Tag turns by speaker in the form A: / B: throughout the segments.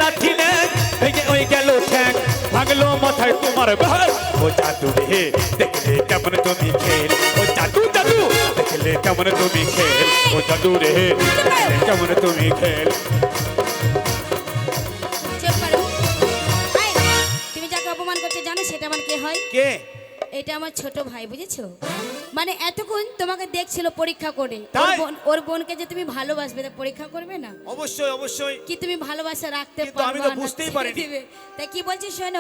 A: লাঠি নেই ভেঙে ওই গেল ঠ্যাং ভাঙলো মাথায় তোমার ভাই ও জাদু রে দেখলে কেমন তুমি খেল ও জাদু জাদু দেখলে কেমন তুমি খেল ও জাদু রে দেখলে কেমন তুমি খেল
B: তুমি যাকে অপমান করছো জানো সেটা আমার কে হয়?
A: কে?
B: এটা আমার ছোট ভাই, বুঝেছো? মানে এতক্ষণ তোমাকে দেখছিল পরীক্ষা করে, ওর বোনকে যে তুমি ভালোবাসবে তা পরীক্ষা করবে না?
A: অবশ্যই অবশ্যই।
B: কি তুমি ভালোবাসা রাখতে
A: কিন্তু আমি
B: পারবে
A: তো বুঝতেই পারিনি।
B: তাই কি বলছিস শোনো,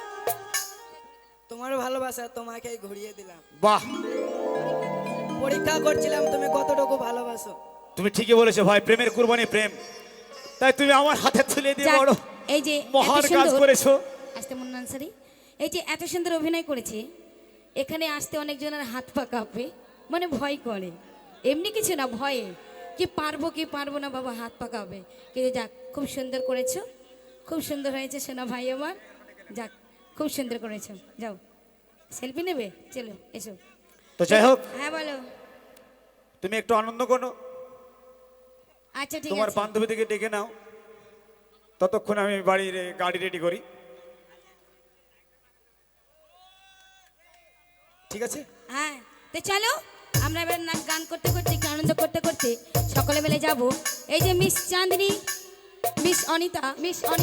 C: তোমার ভালোবাসা তোমাকেই ঘুরিয়ে দিলাম।
A: বাহ,
C: পরীক্ষা করছিলাম তুমি কতটুকু ভালোবাসো।
A: তুমি ঠিকই বলেছো ভাই, প্রেমের কুরবানি প্রেম। তাই তুমি আমার হাতে তুলে দিয়ে বড়
B: এই যে
A: মহান কাজ করেছো।
B: আসতে মন আনসারি, এই যে এত সুন্দর অভিনয় করেছে, এখানে আসতে অনেকজনের হাত পা কাঁপে, মানে ভয় করে। এমনি কিছু না, ভয়ে কি পারবো না বাবা, হাত পা কাঁপে। কিন্তু যাক, খুব সুন্দর করেছো, খুব সুন্দর হয়েছে সোনা ভাই আমার। যাক, খুব সুন্দর করেছো। যাও, সেলফি নেবে? চলো এসো।
A: তো যাই হোক,
B: হ্যাঁ বলো।
A: তুমি একটু আনন্দ করো,
B: আচ্ছা ঠিক
A: তোমার
B: আছে।
A: বান্ধবীদেরকে ডেকে নাও, ততক্ষণ আমি বাড়ির গাড়ি রেডি করি। ঠিক আছে?
B: হ্যাঁ, তো চলো আমরা এবার নাচ গান করতে করতে, একটু আনন্দ করতে করতে সকলে মিলে যাব। এই যে মিস চাঁদনী, মিস অনিতা,